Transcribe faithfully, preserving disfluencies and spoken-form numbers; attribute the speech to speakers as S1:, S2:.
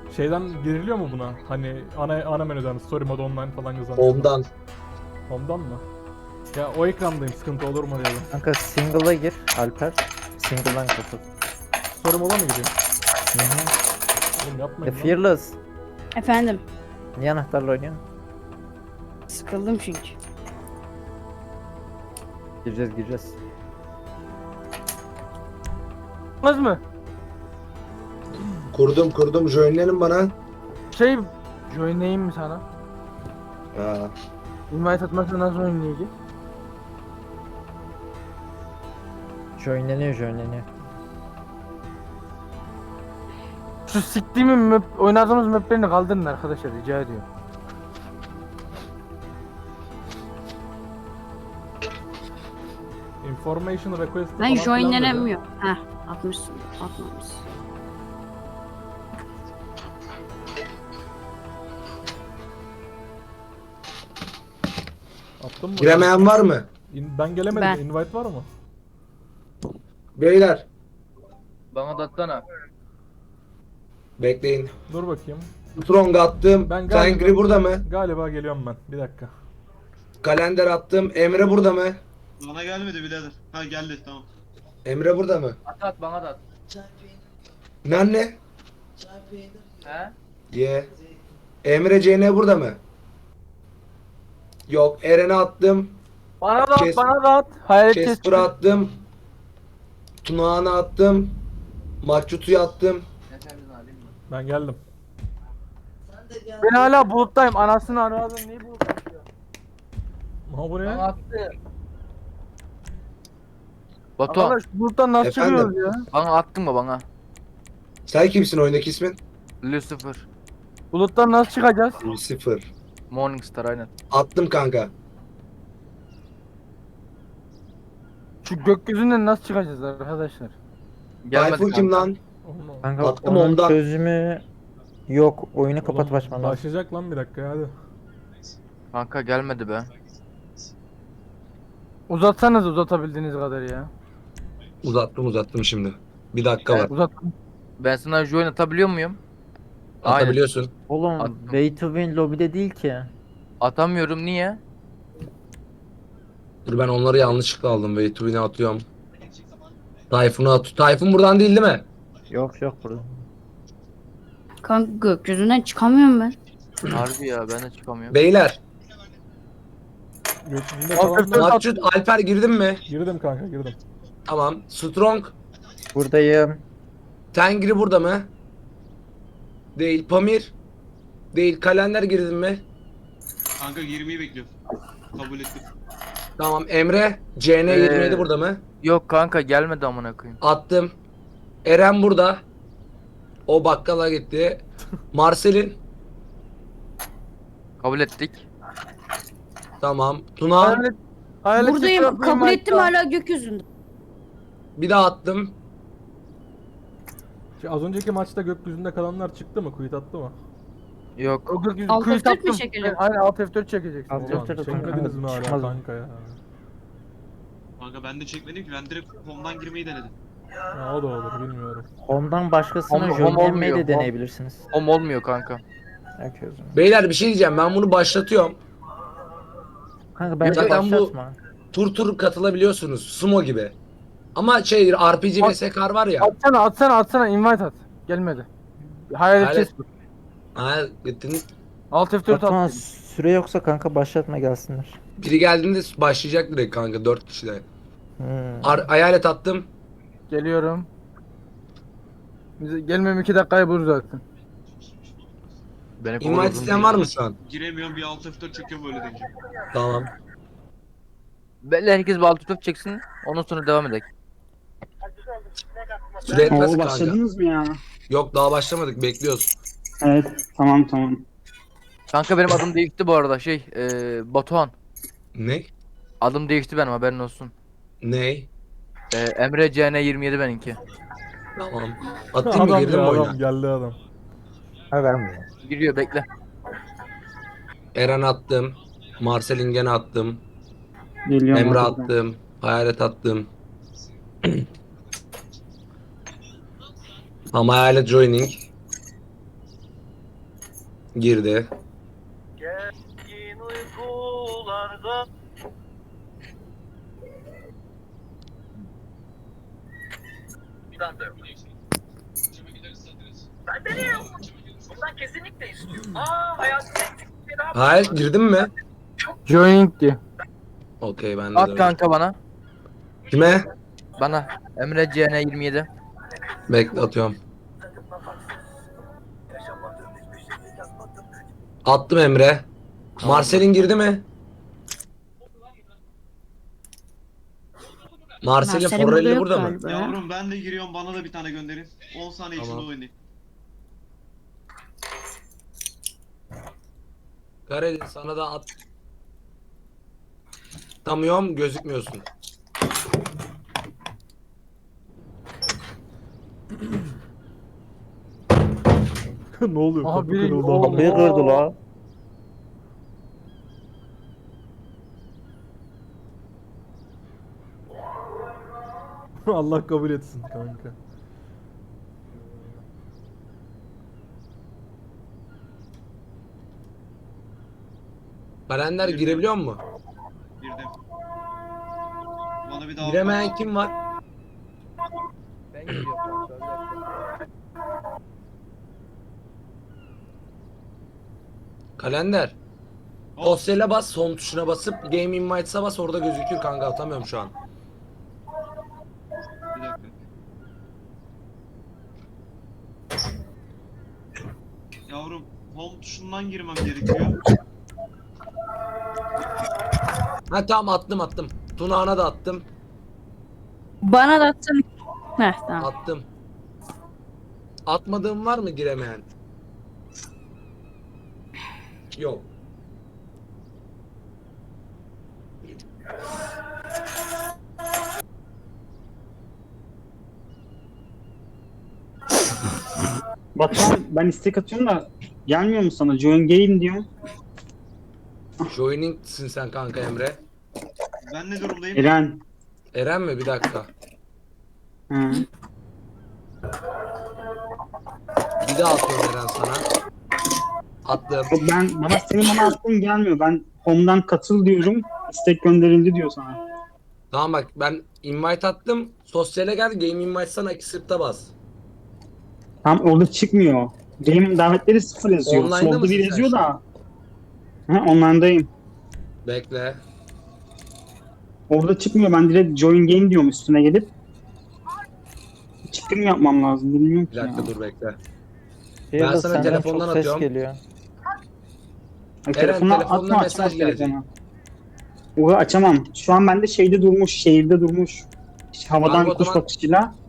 S1: Şeyden giriliyor mu buna? Hani ana ana menüden story mode online falan yazan.
S2: Ondan.
S1: Home'dan mı? Ya o ekrandayım, sıkıntı olur mu diye.
S3: Kanka single'a gir Alper. Single'dan katıl.
S1: Story mode'a mı gireyim?
S3: Hı hı.
S1: Oğlum
S3: The
S1: yapmayın lan.
S3: Fearless.
S4: Efendim.
S3: Niye anahtarla oynuyorsun?
S4: Sıkıldım çünkü.
S3: Gireceğiz gireceğiz.
S5: Olmaz mı?
S2: Kurdum kurdum. Joinlenin bana.
S5: Şey, joinleyeyim mi sana?
S2: Ha.
S5: Invite atmazsa nasıl oynayacak?
S3: Joinleniyor joinleniyor.
S5: Şu siktiğimin map, oynadığımız maplerini kaldırın arkadaşlar, rica ediyorum.
S1: Information request
S4: Ben
S1: falan filan dedi.
S4: joinlenemiyor. Heh, atmışsın. Atmamışsın.
S1: Attın mı?
S2: Giremeyen var mı?
S1: İn- ben gelemedim.
S4: Ben.
S1: Invite var mı?
S2: Beyler.
S6: Bana da atsana.
S2: Bekleyin.
S1: Dur bakayım.
S2: Strong attım.
S1: Ben galiba-
S2: Tengri burada mı?
S1: Galiba geliyorum ben. Bir dakika.
S2: Kalender attım. Emre burada mı?
S7: Bana gelmedi birader. Ha geldi tamam.
S2: Emre burada mı?
S6: At at bana da at.
S2: Anne.
S6: He?
S2: Ye. Emre C N burada mı? Yok. Eren'e attım.
S5: Bana da at,
S2: Kes-
S5: bana da at. Hayalet kes.
S2: Casper'a attım. Tunağan'a attım. Maçutu'ya attım.
S6: Ne sendin alayım mı?
S1: Ben geldim.
S5: Ben hala buluttayım, anasını aradım, niye buluttayım ya?
S1: Ha bu ne?
S6: Bana attı. Batu,
S5: Arkadaş buluttan nasıl
S2: Efendim?
S5: çıkıyoruz ya?
S6: bana attın mı bana?
S2: Sen kimsin oyundaki ismin?
S6: Lucifer.
S5: Buluttan nasıl çıkacağız?
S2: Lucifer.
S6: Morningstar aynen.
S2: Attım kanka.
S5: Şu gökyüzünden nasıl çıkacağız arkadaşlar?
S2: Tayfun kim
S6: kanka.
S2: lan?
S1: Onu-
S3: Kanka
S2: Attım
S3: onun
S2: ondan.
S3: çözümü yok. Oyunu kapatıp
S1: Oğlum,
S3: açman lazım.
S1: Başlayacak lan bir dakika hadi.
S6: Kanka gelmedi be.
S5: Uzatsanız uzatabildiğiniz kadar ya.
S2: Uzattım uzattım şimdi. Bir dakika var.
S5: Uzat.
S6: Ben sana join atabiliyor muyum? Aynen.
S2: Atabiliyorsun.
S3: Oğlum
S6: Attım.
S3: Way to Win lobide değil ki.
S6: Atamıyorum, niye?
S2: Dur ben onları yanlışlıkla aldım. Wait to win'e atıyorum. Tayfun'u at. Tayfun buradan değil değil mi?
S3: Yok yok burada.
S4: Kanka gökyüzünden çıkamıyorum ben.
S6: Harbi ya, ben de çıkamıyorum.
S2: Beyler.
S1: Gökyüzünde
S5: Alt
S1: kalanlar...
S5: F dört
S2: Maçut Alper girdin mi?
S1: Girdim kanka girdim.
S2: Tamam. Strong.
S3: Buradayım.
S2: Tengri burada mı? Değil. Pamir. Değil. Kalender girdin mi?
S7: Kanka girmeyi bekliyorum. Kabul ettim.
S2: Tamam. Emre. C N yirmi yedi
S6: Ee,
S2: burada mı?
S6: Yok kanka, gelmedi amına koyayım.
S2: Attım. Eren burada. O bakkala gitti. Marcel'in.
S6: Kabul ettik.
S2: Tamam. Tuna.
S5: Hayalet, hayalet
S4: Buradayım.
S5: çıkıyor,
S4: Kabul
S5: invite
S4: ettim
S5: at.
S4: hala gökyüzünde.
S2: Bir daha attım.
S1: Şu az önceki maçta gökyüzünde kalanlar çıktı mı? Quit attı mı?
S6: Yok.
S5: O gökyüzü
S4: Alt
S5: kuyut
S4: F dört mü
S5: attım.
S4: çekeceğim?
S5: Aynen alt F dört çekeceksin.
S3: Alt
S1: Ulan
S3: F dört
S1: çekmediniz mi hala
S3: Çıkmaz.
S1: kanka ya?
S7: Kanka ben de çekmedim ki ben direkt home'dan girmeyi denedim.
S1: Ya o da olur bilmiyorum.
S3: Home'dan başkasına
S6: Home- home
S3: joinlenmeyi
S6: olmuyor,
S3: de
S6: home.
S3: deneyebilirsiniz.
S6: Home olmuyor kanka.
S3: Bakıyoruz.
S2: Beyler bir şey diyeceğim. Ben bunu başlatıyorum.
S3: Kanka bence
S2: Zaten bu-
S3: başlatma.
S2: Tur tur katılabiliyorsunuz. Sumo gibi. Ama şey R P G ve
S5: At-
S2: Sekar var ya.
S5: Atsana atsana atsana, invite at. Gelmedi. Hayalet
S2: Hayalet-
S5: kes.
S2: Ha, gittiniz.
S5: Alt F dört
S3: Batuhan
S5: at.
S3: süre yoksa kanka başlatma gelsinler.
S2: Biri geldiğinde başlayacak direkt kanka. Dört kişi de.
S3: Hmm.
S2: Ar- hayalet attım.
S5: Geliyorum. Bize gelmem iki dakikayı bulur zaten.
S6: Beni
S2: Invite
S6: kovdurdun
S2: isteyen
S6: diye.
S2: var mı şu an?
S7: Giremiyorum bir alt F dört çekiyorum böyle deyince.
S2: Tamam.
S6: Belli, herkes bir altı top çeksin. Ondan sonra devam edelim.
S2: Süre etmez
S8: Oo
S2: kanka.
S8: başladınız mı ya?
S2: Yok daha başlamadık. Bekliyoruz.
S8: Evet tamam tamam.
S6: Kanka benim adım değişti bu arada, şey eee Batuhan.
S2: Ne?
S6: Adım değişti benim, haberin olsun.
S2: Ne?
S6: Eee Emre C N yirmi yedi benimki.
S2: Tamam. Attın mı
S1: Adam
S2: girdin mi
S1: ya
S2: oyuna?
S1: adam geldi adam.
S3: Ha vermiyor.
S6: Giriyor, bekle.
S2: Eren attım. Marcel'in gene attım.
S8: Geliyorum.
S2: Emre
S8: arkadan.
S2: attım. Hayalet attım. Ama hayalet joining. Girdi.
S9: Gergin uykularda. Ben de yok. Ben de niye yok? Bundan kesinlikle istiyorum. Aa hayatımda eksik bir şey daha var.
S2: Hayır girdin mi?
S5: Joining diyor.
S2: Okey ben de.
S6: At
S2: de-
S6: kanka bana.
S2: Kime?
S6: Bana. Emre C N yirmi yedi.
S2: Bekle atıyorum. Attım Emre. Marcel'in girdi mi? Marcel'in
S4: Marcel'in burada
S2: Forelli
S4: yok
S2: burada mı?
S4: galiba ya.
S7: Yavrum ben de giriyorum, bana da bir tane gönderin. on saniye içinde
S2: Tamam.
S7: oynayayım.
S2: Kareli sana da at. Tamıyorum gözükmüyorsun.
S1: Ne oluyor?
S5: Aha,
S1: Kapı
S5: biri-
S1: kırıldı.
S5: Oo.
S1: ama.
S3: Kapıyı kırdı la.
S1: Allah kabul etsin kanka.
S2: Kalender girebiliyor mu?
S7: Girdim. Bana bir daha
S2: Giremeyen kim var?
S6: Ben gidiyorum kanka.
S2: Kalender.
S7: Hop,
S2: Dosyayla bas, son tuşuna basıp Game Invites'a bas, orada gözükür kanka, atamıyorum şu an.
S7: bir dakika. Yavrum home tuşundan girmem gerekiyor.
S2: Ha tamam attım attım. Tunağına da attım.
S4: Bana da atsana. Heh tamam.
S2: Attım. Atmadığım var mı giremeyen? Yok.
S8: Batuhan ben istek atıyorum da gelmiyor mu sana? Join game diyorum.
S2: Joining'sin sen kanka Emre.
S7: Ben ne durumdayım?
S8: Eren.
S2: Eren mi? Bir dakika.
S8: Hı.
S2: Bir daha atıyorum Eren sana. Attım.
S8: Yok, ben bana senin bana attığın gelmiyor. Ben home'dan katıl diyorum. İstek gönderildi diyor sana.
S2: Tamam bak ben invite attım. Sosyale gel, Game Invites'tan accept'a bas.
S8: Tam orada çıkmıyor. Game davetleri sıfır yazıyor.
S2: Online'da
S8: Solda
S2: mısın
S8: bir
S2: sen
S8: yazıyor
S2: şu
S8: da. Ha, online'dayım.
S2: Bekle.
S8: Orada çıkmıyor. Ben direkt join game diyorum üstüne gelip. Çıkım yapmam lazım. Bilmiyorum
S2: Bir
S8: ki ya.
S2: dakika dur bekle.
S3: Yıldız,
S2: sana
S3: senden
S2: telefondan
S3: çok ses
S2: atıyorum.
S3: geliyor.
S8: Ha,
S2: Eren,
S8: telefonla
S2: telefonla
S8: atma
S2: mesaj
S8: açmaz
S2: gelecek.
S8: telefonu. Onu açamam. Şu an bende şeyde durmuş. Şehirde durmuş. İşte havadan
S2: Kanka o
S8: kuş
S2: zaman-
S8: bakışıyla.